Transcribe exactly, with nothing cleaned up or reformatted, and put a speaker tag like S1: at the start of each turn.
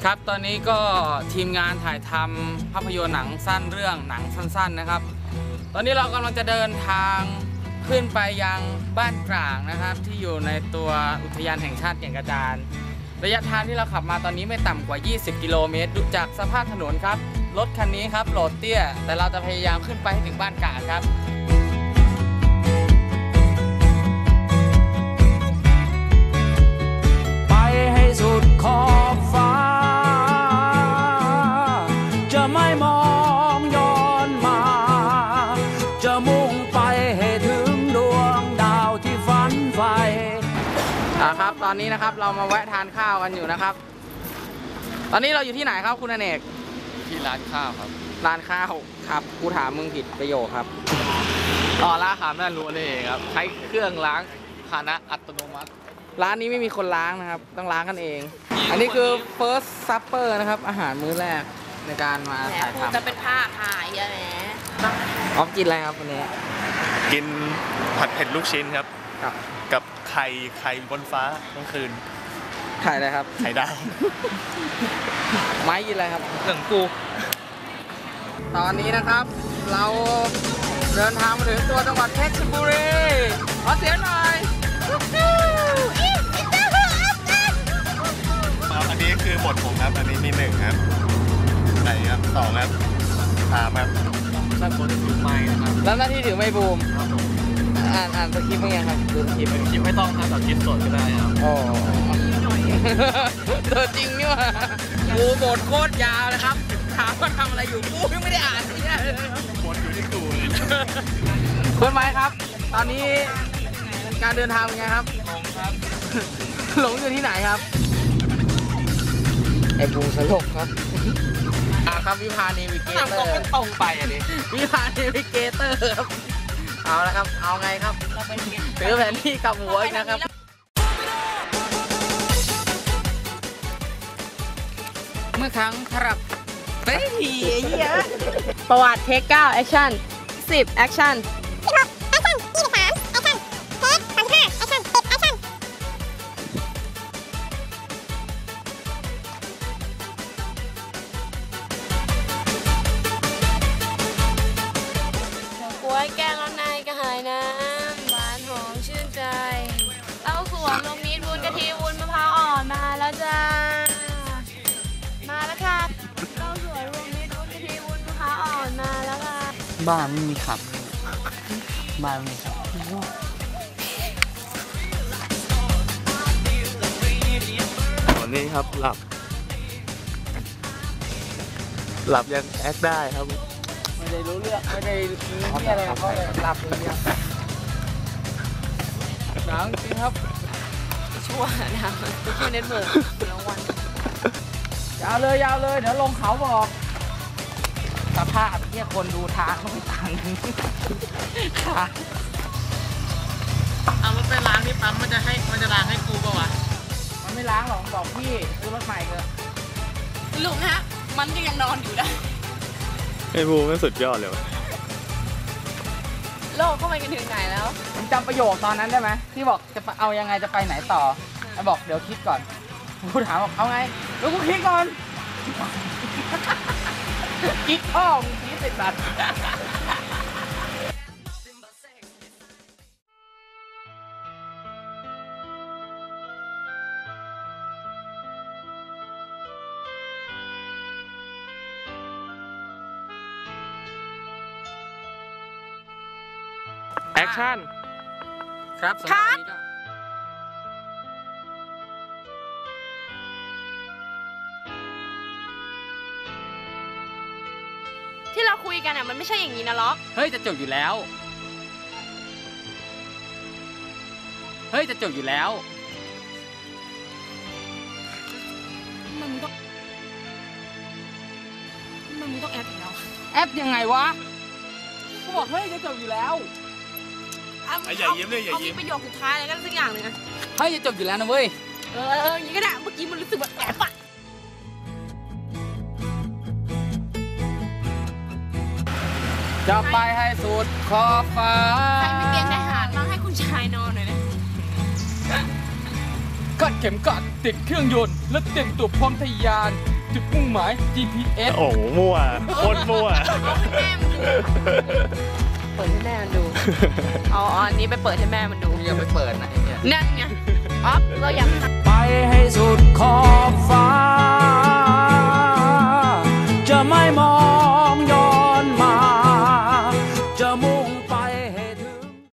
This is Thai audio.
S1: ครับตอนนี้ก็ทีมงานถ่ายทำภาพยนตร์หนังสั้นเรื่องหนังสั้นๆนะครับตอนนี้เรากำลังจะเดินทางขึ้นไปยังบ้านกลางนะครับที่อยู่ในตัวอุทยานแห่งชาติแก่งกระจานระยะทางที่เราขับมาตอนนี้ไม่ต่ำกว่ายี่สิบกิโลเมตรดูจากสภาพถนนครับรถคันนี้ครับโหลดเตี้ยแต่เราจะพยายามขึ้นไปให้ถึงบ้านกลางครับ
S2: ไปให้สุดขอบฟ้าจะไม่มองย้อนมาจะมุ่งไปให้ถึงดวงดาวที่ฝันใฝ่
S1: อ่าครับตอนนี้นะครับเรามาแวะทานข้าวกันอยู่นะครับตอนนี้เราอยู่ที่ไหนครับคุณอเนก
S3: ที่ร้านข้าวครับ
S1: ร้านข้าวครับกูถามมึงผิดประโยคครับ
S3: ต่อร้านอาหารแม่รู้นี่เองครับใช้เครื่องล้างภาชนะอัตโนมัติ
S1: ร้านนี้ไม่มีคนล้างนะครับต้องล้างกันเองอันนี้คือ first supper นะครับอาหารมื้อแรกในการมาถ่ายทำ
S4: จะเป็นผ้าถ่ายอะแหม
S1: ออฟกินอะไรครับวันนี้
S3: กินผัดเผ็ดลูกชิ้นครับ
S1: กับ
S3: กับไข่ไข่บนฟ้าเมื่อคืน
S1: ไข่อะไรครับ
S3: ไข่ดาว
S1: ไม้กินอะไรครับ
S3: หนึ่งกู
S1: ตอนนี้นะครับเราเดินทางมาถึงตัวจังหวัดเพชรบุรีขอเสียงหน่อย
S3: อันนี้คือบทผมครับอันนี้มีหนึ่งครับไหนครับสองครับสามครับด้านบนถือไม้นะครับ
S1: แล้วหน้าที่ถือไม้บูมอ่านอ่านสคริปต์เป็นไงครับดูสคริปต์
S3: คลิปไม่ต้องครับแต่คลิปสดก็ได้ครับ
S1: โอ้ตัวจริงนี่ว่ะกูบทโคตรยาวเลยครับถามว่าทำอะไรอยู่กูยังไม่ได้อ่านเนี่ย
S3: บทอยู่ที่กูเลย
S1: เพื่อนไม้ครับตอนนี้การเดินทางเป็นไงครับ
S3: หลงครับ
S1: หลงอยู่ที่ไหนครับไอ้บูสลกครับอ่าครับวิพาเนวิเกเตอร์
S3: ตรงไปอ่ะดิ
S1: วิพาเนวิเกเตอร์ครับเอาละครับเอาไงครับถือแผนที่กับหัวอีกนะครับเมื่อครั้งครับเฮ้ยเหี้ย
S4: ประวัติเทคเก้าแอคชั่นสิบแอคชั่นแกงร้อนในกระหายน้ำหวานหอมชื่นใจเต้าส่วนนมมีดวุ้นกะทิวุ้นมะพร้าวอ่อนมาแล้วจ้ามาแล้วค่ะเต้าส่วนรวมมีดวุ้นกะทิวุ้นมะพร้าวอ่อนมาแล้วค่ะ
S1: บ้านไม่มีขับบ้านไม่มีขับ
S3: วันนี้ครับหลับหลับยังแอคได้ครับ
S1: ไม่ได้รู้เรื่องไม่ได้มีอะไรเขาเลยหลับอย่างเดียวหนังจริงครับ
S4: ชั่วนะชั่วเน็ตเวิร์กรางวัล
S1: ยาวเลยยาวเลยเดี๋ยวลงเขาบอกสภาพที่คนดูทางเขาไม่ต่างกันค่ะ
S4: เอารถไปล้างที่ปั๊มมันจะให้มันจะล้างให้กูป่าวะ
S1: มันไม่ล้างหรอกบอกพี่ซื้อรถใหม่เถอะ
S4: ลุงฮะมันก็ยังนอนอยู่ได้
S3: ไอ้บูไม่สุดยอดเลยวะ
S4: โลกเข้าไปกันถึงไหนแล้ว
S1: ผมจำประโยคตอนนั้นได้ไหมที่บอกจะเอายังไงจะไปไหนต่อไอ้บอกเดี๋ยวคิดก่อนกูถามบอกเอาไงแล้วกูคิดก่อนคิดอ้อมคิดติดบัตร
S3: แอคชั่น
S1: ครับสำหรับนี้ก็
S4: ที่เราคุยกันอ่ะมันไม่ใช่อย่างนี้นะล็อก
S1: เฮ้ยจะจบอยู่แล้วเฮ้ยจะจบอยู่แล้ว
S4: มันต้องมันต้องแอปแล้ว
S1: แอปยังไงวะกูบอกเฮ้ยจะจบอยู่แล้ว
S3: อย่ายิ้มเลยอย่ายิ้ม
S4: ประโยคสุดท้ายอะไรกันสักอย่างหนึ่งนะ
S1: เฮ้ยจะจบอยู่แล้วนะเว้ย
S4: เออเอออย่างนี้ก็ได้เมื่อกี้มันรู้สึกแบบแอบอะ
S1: จะไปให้สุดขอบฟ้า
S4: ใครมีเตียงทหารมาให้คุณชายนอนหน่อยนะ
S1: กัดเข็มกัดติดเครื่องยนต์และเต็มตัวพร้อมทะยานจุดมุ่งหมาย จี พี เอส
S3: โอ้โหมั่วโคตรมั่ว
S4: เปิดให้แม่มันดู เอาอันนี้ไปเปิดให้แม่มันดู
S1: อย่าไปเปิดนะไอ้เนี่ย
S4: นั่นไงอ๊อฟเราอยาก
S2: ไปให้สุดขอบฟ้า จะไม่มอ